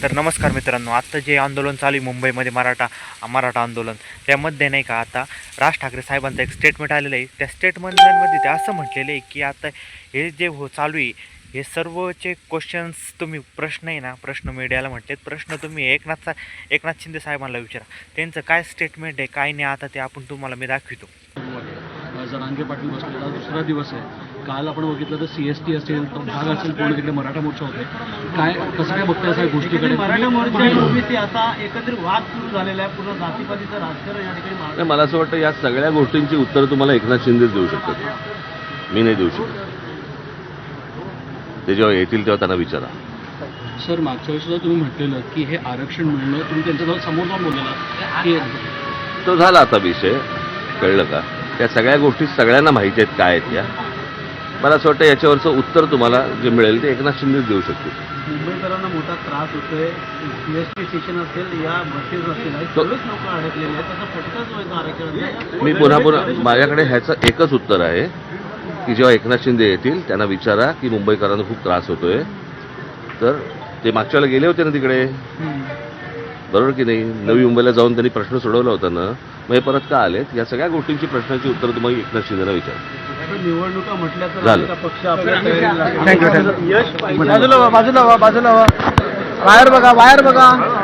तर नमस्कार मित्रांनो, आत्ता जे आंदोलन चालू आहे मुंबईमध्ये मराठा आंदोलन, त्यामध्ये नाही का आता राज ठाकरे साहेबांचं एक स्टेटमेंट आलेलं आहे. त्या स्टेटमेंटमध्ये ते असं म्हटलेलं आहे की आता हे जे चालू आहे हे सर्वचे क्वेश्चन्स तुम्ही प्रश्न आहे ना, प्रश्न मीडियाला म्हटलेत, प्रश्न तुम्ही एकनाथ शिंदे साहेबांना विचारा. त्यांचं काय स्टेटमेंट आहे काय नाही आता ते आपण तुम्हाला मी दाखवितो. जरांगे पाटील बसलेला दुसरा दिवस आहे. काल आपण बघितलं तर CST असेल, तो भाग असेल, पूर्ण तिकडे मराठा मोर्चा होते. कसं काय बघताय या गोष्टीकडे? मराठा मोर्चा आणि ओबीसी आता एकत्रित वाद सुरू झालेला आहे. पूर्ण जातीपातीचं राजकारण या ठिकाणी. मला असं वाटतं या सगळ्या गोष्टींची उत्तर तुम्हाला एकनाथ शिंदेच देऊ शकतात, मी नाही देऊ शकत. ते जेव्हा येतील तेव्हा त्यांना विचारा. सर, मागच्या वेळेस सुद्धा तुम्ही म्हटलेलं की हे आरक्षण मिळणं, तुम्ही त्यांच्याजवळ समोर जाऊन बोललेला की तो झाला आता विषय, कळलं का? त्या सगळ्या गोष्टी सगळ्यांना माहिती आहेत काय आहेत. या मला असं वाटतं याच्यावरचं उत्तर तुम्हाला जे मिळेल ते एकनाथ शिंदेच देऊ शकतील. मुंबईकरांना मोठा त्रास होतोय. CST स्टेशन असेल, या बसेस असतील, सगळेच लोक अडकलेले आहेत. त्याचा फटकाच व्हायचा आरक्षणाचा. मी पुन्हा माझ्याकडे ह्याचं एकच उत्तर आहे की जेव्हा एकनाथ शिंदे येतील त्यांना विचारा की मुंबईकरांना खूप त्रास होतोय. तर ते मागच्या वेळेला गेले होते ना तिकडे, बरोबर की नाही? नवी मुंबईला जाऊन त्यांनी प्रश्न सोडवला होता ना, मग हे परत का आलेत? या सगळ्या गोष्टींची प्रश्नाची उत्तर तुम्हाला एकनाथ शिंदेला विचारा. निवडणुका म्हटल्या तर झालं. पक्ष आपल्या बाजूला बाहेर बघा.